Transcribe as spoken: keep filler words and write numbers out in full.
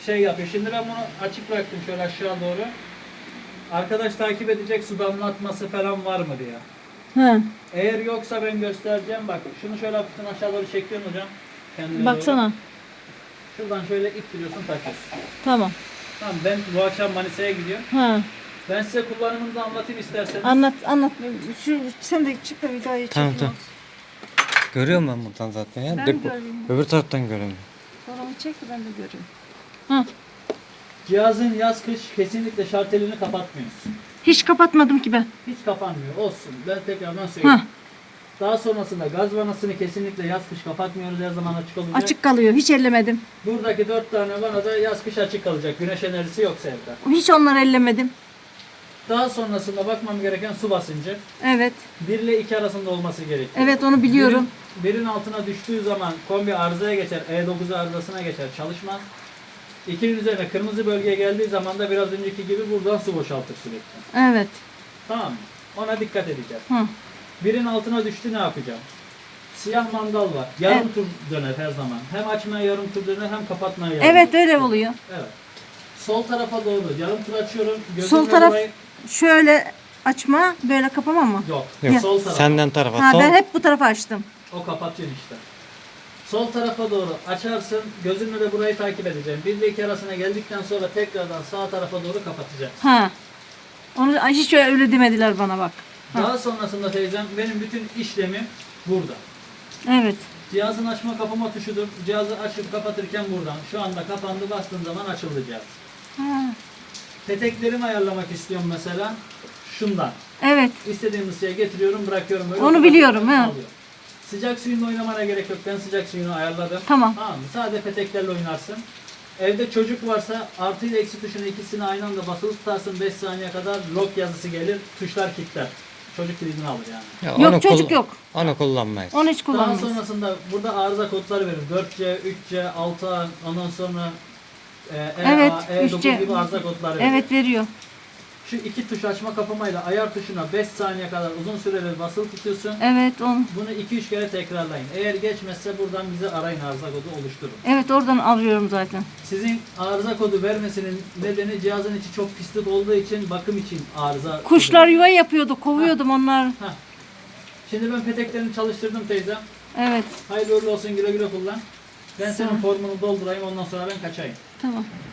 şey yapıyor. Şimdi ben bunu açık bıraktım şöyle aşağı doğru. Arkadaş takip edecek su damlatması falan var mı diye. He. Eğer yoksa ben göstereceğim. Bak şunu şöyle hafiften aşağı doğru çekiyorsun hocam. Kendine Baksana. doğru. Şuradan şöyle ittiriyorsun, takıyorsun. Tamam. Tamam, ben bu akşam Manisa'ya gidiyorum. Ha. Ben size kullanımını da anlatayım isterseniz. Anlat anlat. Şu sen de çık da videoyu Tamam, çekin. tamam. Görüyorum ben buradan zaten ya. Ben Depo- göreyim. Öbür taraftan görüyorum. Fotoğrafı çek de ben de göreyim. Ha. Cihazın yaz kış kesinlikle şartelini kapatmıyorsun. Hiç kapatmadım ki ben. Hiç kapanmıyor. Olsun. Ben tekrardan söyleyeyim. Ha. Daha sonrasında gaz vanasını kesinlikle yaz kış kapatmıyoruz. Her zaman açık olacak. Açık kalıyor. Hiç ellemedim. Buradaki dört tane vana da yaz kış açık kalacak. Güneş enerjisi yoksa evde. Hiç onları ellemedim. Daha sonrasında bakmam gereken su basıncı. Evet. bir ile iki arasında olması gerekiyor. Evet onu biliyorum. Birin, birin altına düştüğü zaman kombi arızaya geçer. E dokuz arızasına geçer. Çalışmaz. ikinin üzerine kırmızı bölgeye geldiği zaman da biraz önceki gibi buradan su boşaltır sürekli. Evet. Tamam mı? Ona dikkat edeceğiz. Hı. Birin altına düştü, ne yapacağım? Siyah mandal var. Yarım Evet. tur döner her zaman. Hem açmaya yarım tur döner hem kapatmaya yarım Evet tur. öyle oluyor. Evet. Sol tarafa doğru yarım tur açıyorum. Gözümle Sol taraf burayı- şöyle açma, böyle kapama mı? Yok. Yok. Sol tarafa. Senden tarafa. Ha Sol. ben hep bu tarafa açtım. O kapatıyor işte. Sol tarafa doğru açarsın. Gözümle de burayı takip edeceğim. bir ile iki arasına geldikten sonra tekrardan sağ tarafa doğru kapatacağım. Ha. Onu hiç öyle demediler bana bak. Ha. Daha sonrasında teyzem benim bütün işlemim burada. Evet. Cihazın açma kapama tuşudur. Cihazı açıp kapatırken buradan. Şu anda kapandı, bastığım zaman açıldı cihaz. Ha. Peteklerimi ayarlamak istiyorum mesela. Şundan. Evet. İstediğim ısıya getiriyorum, bırakıyorum. Böyle Onu kapatıyorum, biliyorum, he. alıyor. Sıcak suyunla oynamana gerek yok. Ben sıcak suyunu ayarladım. Tamam. Tamam mı? Sadece peteklerle oynarsın. Evde çocuk varsa artı ile eksi tuşunu ikisini aynı anda basılı tutarsın. beş saniye kadar lock yazısı gelir. Tuşlar kilitler. Çocuk kilidini alır yani. Ya Yok, onu çocuk kull- yok. Onu kullanmayız. Onu hiç Daha kullanmıyoruz. sonrasında burada arıza kodları verir. dört C, üç C, altı A, ondan sonra e, E Evet, A, E dokuz üç C. gibi arıza kodları verir. Evet veriyor. Şu iki tuş açma kapamayla ayar tuşuna beş saniye kadar uzun süreli basılı tutuyorsun. Evet on. Bunu iki üç kere tekrarlayın. Eğer geçmezse buradan bize arayın, arıza kodu oluşturun. Evet oradan arıyorum zaten. Sizin arıza kodu vermesinin nedeni cihazın içi çok pislik olduğu için, bakım için arıza Kuşlar kodu. yuva yapıyordu. Kovuyordum onlar. Heh. Şimdi ben peteklerini çalıştırdım teyzem. Evet. Hayırlı uğurlu olsun, güle güle kullan. Ben Sağ ol. senin formunu doldurayım, ondan sonra ben kaçayım. Tamam.